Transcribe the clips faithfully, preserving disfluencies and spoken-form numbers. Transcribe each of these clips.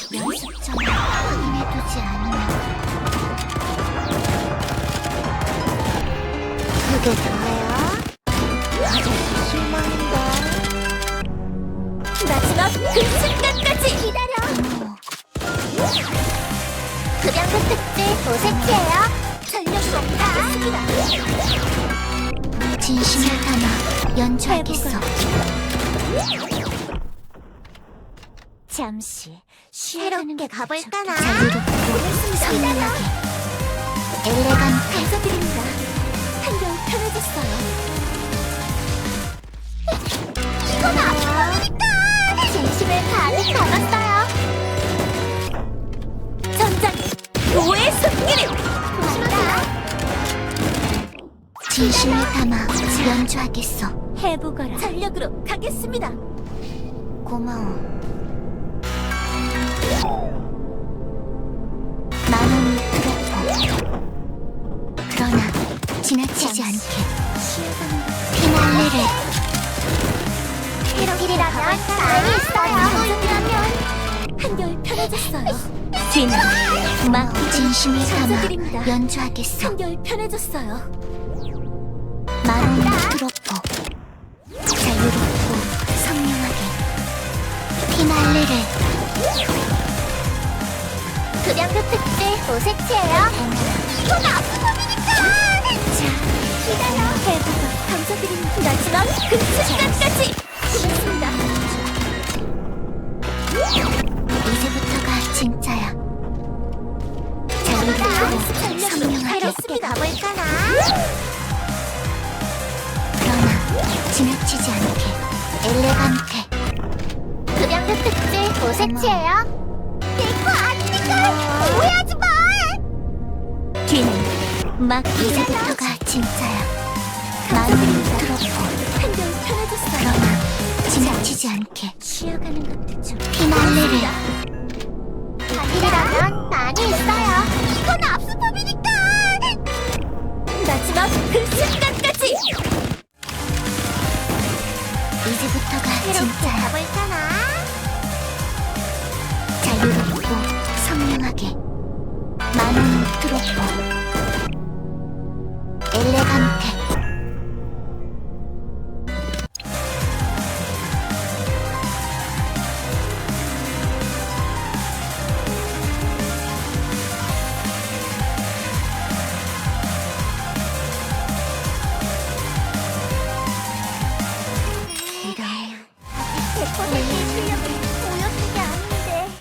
연습점을 확인해두지 않으면 그게 다야? 아저씨 실망인가? 마지막 그 순간까지 기다려! 급양급 특집 오색지예요. 전력으로 가겠습니다. 진심을 담아 연주하겠어. 잠시 새롭게 가볼까나? 자유롭고 선명하게 엘레간트. 감사드립니다. 한결 편해졌어요. 이건 아프니까 진심을 가득 담았어요. 전장 노예 손길을 조심하세요. 진심을 담아 연주하겠어. 해보거라. 전력으로 가겠습니다. 고마워. 마음이 그렇고 그러나 지나치지 않게 피날레를 이라면 많이 있어요. 한결 편해졌어요. 뒤는 막 진심을 담아 연주하겠어. 한결 편해졌어요. 마음이 그렇고 자유롭고 선명하게 피날레를. 급양급 특집 오색지예요. 이건 아프범이니까. 자, 기다려. 해보고 감사드립니다. 마지막 그 순간까지. 고맙습니다. 이제부터가 진짜야. 자유롭고 선명하게 가볼까나? 그러나 지나치지 않게 엘레간테. 급양급 특집 오색지예요. 내거 아니니까 오해하지 마! 뒤는 막 이제부터가 진짜야. 마음이 그렇고 한결 편해졌어요. 그러나 지나치지 않게 쉬어가는 것도 좀 피날레를. 이라면 많이 있어요. 이건 압수법이니까. 마지막 그 순간까지. 이제부터가 진짜야. 가볼까나? 자유롭고 선명하게 마음이 그렇고 엘레간테. 백퍼센트의 실력을 보여준 게 아닌데.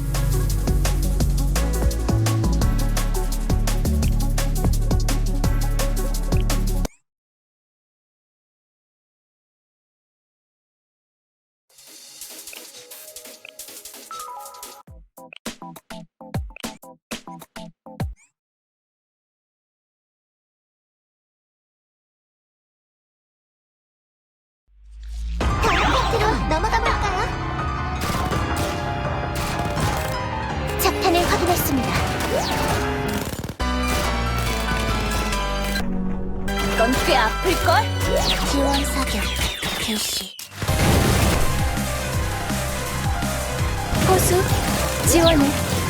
다음 파트로 넘어가 볼까요? 작탄을 확인했습니다. 이건 꽤 아플걸? 지원 사격 개시. 호수 지원을.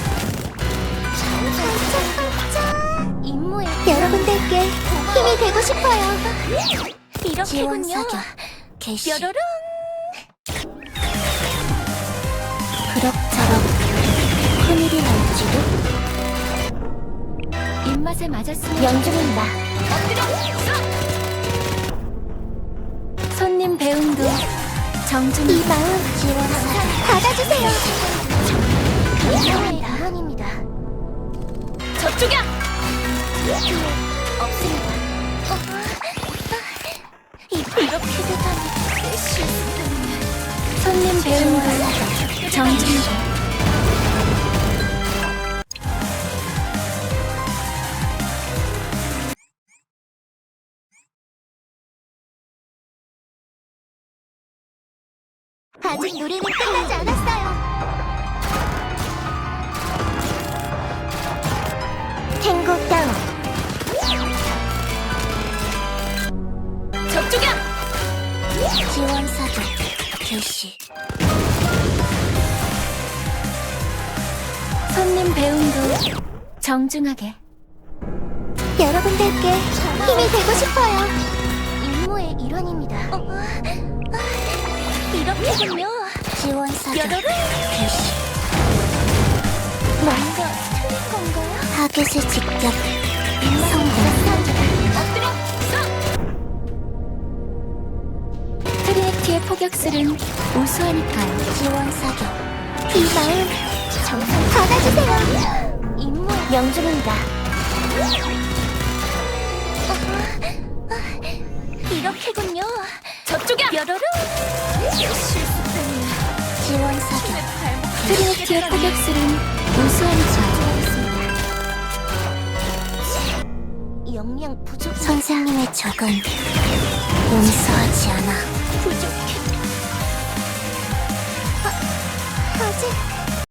반짝반짝 임무에 여러분들께 힘이 되고 싶어요. 이렇게군요. 개시. 뾰로롱. 그럭저럭 큰일이 날지도. 입맛에 맞았으면 연중입니다. 손님 배웅도 정중. 이 마음 지원하사 받아주세요. 감사합니다. 물론입니다. 저쪽이야. 없습니다. 어, 이렇게 되다니 내 실수는. 손님 배웅도 정중히. 아직 노래는 끝나지 않았어요. 탱고 다운. 저쪽이야. 지원 사격 개시. 손님 배움도 정중하게. 여러분들께 힘이 되고 싶어요. 임무의 일원입니다. 이렇게군요. 지원 사격. 개시. 뭔가 틀린 건가요? 타겟을 직접 성공. 트리에티의 포격술은 우수하니까요. 지원 사격. 이 마음 정말 받아주세요. 임무 명중입니다. 이렇게군요. 저쪽이야. 뾰로로. 지원 사격. 트리에티의 포격술은 우수하니까요. 영양 부족. 선생님의 적은 용서하지 않아. 부족해. 아, 아직